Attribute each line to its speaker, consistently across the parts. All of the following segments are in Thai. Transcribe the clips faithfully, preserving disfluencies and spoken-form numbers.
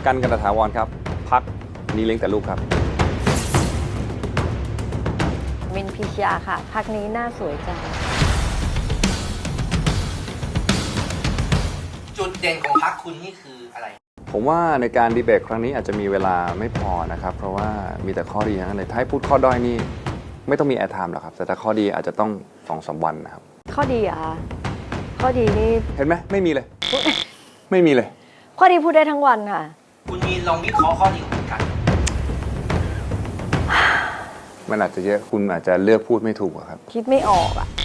Speaker 1: กันกันตถาวรครับพักนี้เลี้ยงแต่ลูกครับ
Speaker 2: มินพิชยาค่ะพักนี้หน้าสวยจัง
Speaker 3: จุดเด่นของพรรคคุณนี่คืออะไร
Speaker 1: ผมว่าในการดีเบตครั้งนี้อาจจะมีเวลาไม่พอนะครับเพราะว่ามีแต่ข้อดีทั้งนั้นเลยถ้าให้พูดข้อด้อยนี่ไม่ต้องมีแอร์ไทม์หรอกครับแต่ถ้าข้อดีอาจจะต้องสองสามวันนะครับ
Speaker 2: ข้อดีอะคะข้อดีนี่
Speaker 1: เห็นไหมไม่มีเลย ไม่มีเลย
Speaker 2: ข้อดีพูดได้ทั้งวันค่ะ
Speaker 3: คุณมีลองวิเคราะห์ข้อดีของคุณกัน
Speaker 1: มันอาจจะเยอะคุณอาจจะเลือกพูดไม่ถูกครับ
Speaker 2: คิดไม่ออกอะ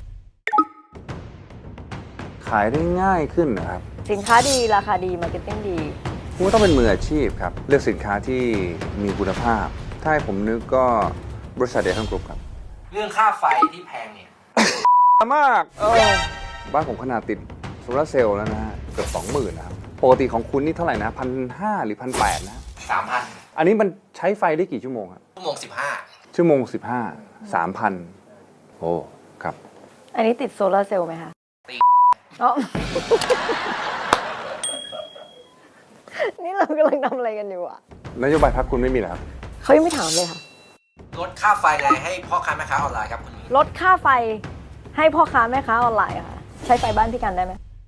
Speaker 1: ขายได้ง่ายขึ้นนะครับ
Speaker 2: สินค้าดีราคาดีมาร์เก็ตติ้งดี
Speaker 1: คุณต้องเป็นมืออาชีพครับเลือกสินค้าที่มีคุณภาพถ้าให้ผมนึกก็บริษัทเดลทันกรุ๊ปครับ
Speaker 3: เรื่องค่าไฟที่แพงเนี่ย
Speaker 1: มากเออบ้านผมขนาดติดโซลาร์เซลล์แล้วนะฮะเกือบสองหมื่นนะครับปกติของคุณนี่เท่าไหร่นะพันห้าหรือพันแปดนะ
Speaker 3: สามพัน
Speaker 1: อันนี้มันใช้ไฟได้กี่ชั่วโมงครับ
Speaker 3: ชั่วโมงสิบห้า
Speaker 1: ชั่วโมงสิบห้าสามพันโอ้ครับ
Speaker 2: อันนี้ติดโซลาร์เซลล์ไหมคะ
Speaker 3: ตี
Speaker 2: อ๋อนี่เรากำลังทำอะไรกันอยู่อะ
Speaker 1: นโยบายพรรคคุณไม่มีเหรอครับ
Speaker 2: เขายังไม่ถามเลยค่ะ
Speaker 3: ลดค่าไฟไงให้พ่อค้าแม่ค้าออนไลน์ครับคุณ
Speaker 2: ลดค่าไฟให้พ่อค้าแม่ค้าออนไลน์ค่ะใช้ไฟบ้านพี่กันได้ไหม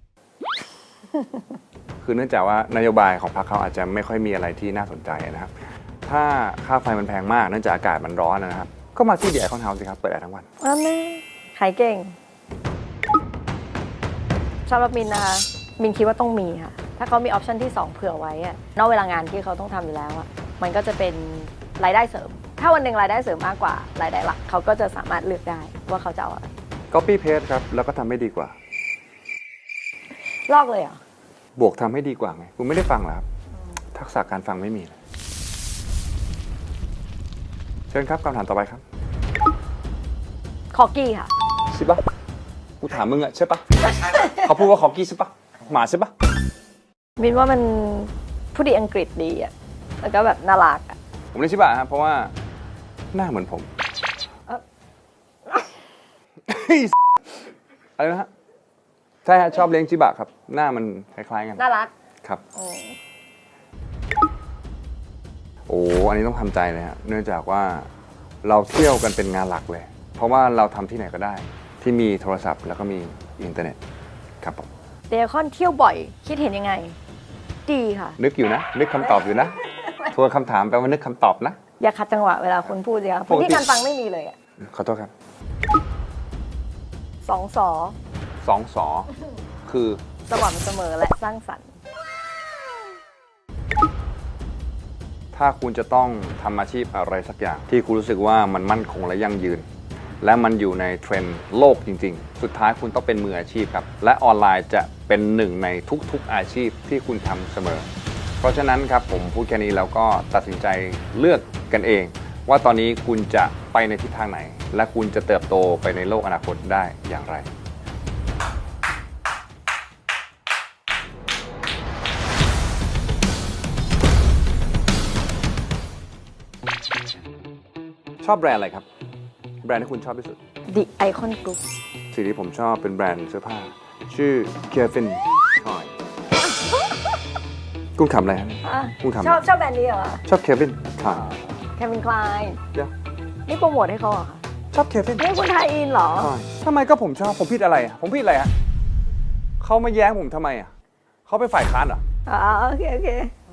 Speaker 1: คือเนื่องจากว่านโยบายของพรรคเขาอาจจะไม่ค่อยมีอะไรที่น่าสนใจนะครับถ้าค่าไฟมันแพงมากเนื่องจากอากาศมันร้อนนะครับก็มาที่เดียร์คอนเฮาส์สิครับเปิดแอร์ทั้งวัน
Speaker 2: อ้าวแม่ขายเก่งสำหรับมินนะคะมินคิดว่าต้องมีค่ะถ้าเขามีออปชันที่สองเผื่อไว้อะนอกเวลางานที่เขาต้องทำอยู่แล้วอะมันก็จะเป็นรายได้เสริมถ้าวันหนึ่งรายได้เสริมมากกว่ารายได้หลักเขาก็จะสามารถเลือกได้ว่าเขาจะเอาอะไร
Speaker 1: Copy Paste ครับแล้วก็ทำให้ดีกว่า
Speaker 2: ลอกเลยเหรอบ
Speaker 1: วกทำให้ดีกว่าไงคุณไม่ได้ฟังเหรอครับทักษะการฟังไม่มีเลยเชิญครับคำถามต่อไปครับ
Speaker 2: คอกี้ค่ะ
Speaker 1: ใช่ปะกูถามมึงอะใช่ปะเขาพูดว่าคอกี้ใช่ปะหมาใช่ปะ
Speaker 2: มินว่ามันผู้ดีอังกฤษดีอะแล้วก็แบบน่ารักอะ
Speaker 1: ผมเรียกชิบะครับเพราะว่าหน้าเหมือนผมอะไรนะฮะใช่ฮะชอบเลี้ยงชิบะครับหน้ามันคล้ายๆกัน
Speaker 2: น่ารัก
Speaker 1: ครับโอ้อันนี้ต้องทำใจเลยฮะเนื่องจากว่าเราเที่ยวกันเป็นงานหลักเลยเพราะว่าเราทำที่ไหนก็ได้ที่มีโทรศัพท์แล้วก็มีอินเทอร์เน็ตครับผม
Speaker 2: เดคอนเที่ยวบ่อยคิดเห็นยังไงดีค่ะ
Speaker 1: นึกอยู่นะนึกคำตอบอยู่นะทวนคำถามแปลว่านึกคำตอบนะ
Speaker 2: อย่าขัดจังหวะเวลาคุณพูดสิคะพื้นที่การฟังไม่มีเลยอ่ะ
Speaker 1: ขอโทษครับ
Speaker 2: สองสอ
Speaker 1: สองสอคือ
Speaker 2: สม่ำเสมอและสร้างสรรค์
Speaker 1: ถ้าคุณจะต้องทำอาชีพอะไรสักอย่างที่คุณรู้สึกว่ามันมั่นคงและยั่งยืนและมันอยู่ในเทรนด์โลกจริงๆสุดท้ายคุณต้องเป็นมืออาชีพครับและออนไลน์จะเป็นหนึ่งในทุกๆอาชีพที่คุณทำเสมอเพราะฉะนั้นครับผมพูดแค่นี้แล้วก็ตัดสินใจเลือกกันเองว่าตอนนี้คุณจะไปในทิศทางไหนและคุณจะเติบโตไปในโลกอนาคตได้อย่างไรชอบแบรนด์อะไรครับแบรนด์ที่คุณชอบที่สุด
Speaker 2: The Icon Group
Speaker 1: สิ่งที่ผมชอบเป็นแบรนด์เสื้อผ้าชื่อ Calvin Klein คุณขำอะไรครับคุณขำ
Speaker 2: ชอบชอบแบรนด์นี้เหรอ
Speaker 1: ชอบ Calvin Klein
Speaker 2: Calvin Klein
Speaker 1: เดี๋ยว
Speaker 2: นี่โปรโมทให้เขาเหรอ
Speaker 1: ชอบ Calvin
Speaker 2: นี่คุณไทยอินเหรอ
Speaker 1: ทำไมก็ผมชอบผมผิดอะไรผมผิดอะไรฮะเขามาแย้งผมทำไมอ่ะเขาเป็นฝ่ายค้านเหรอ
Speaker 2: อ๋อโอเคโอเค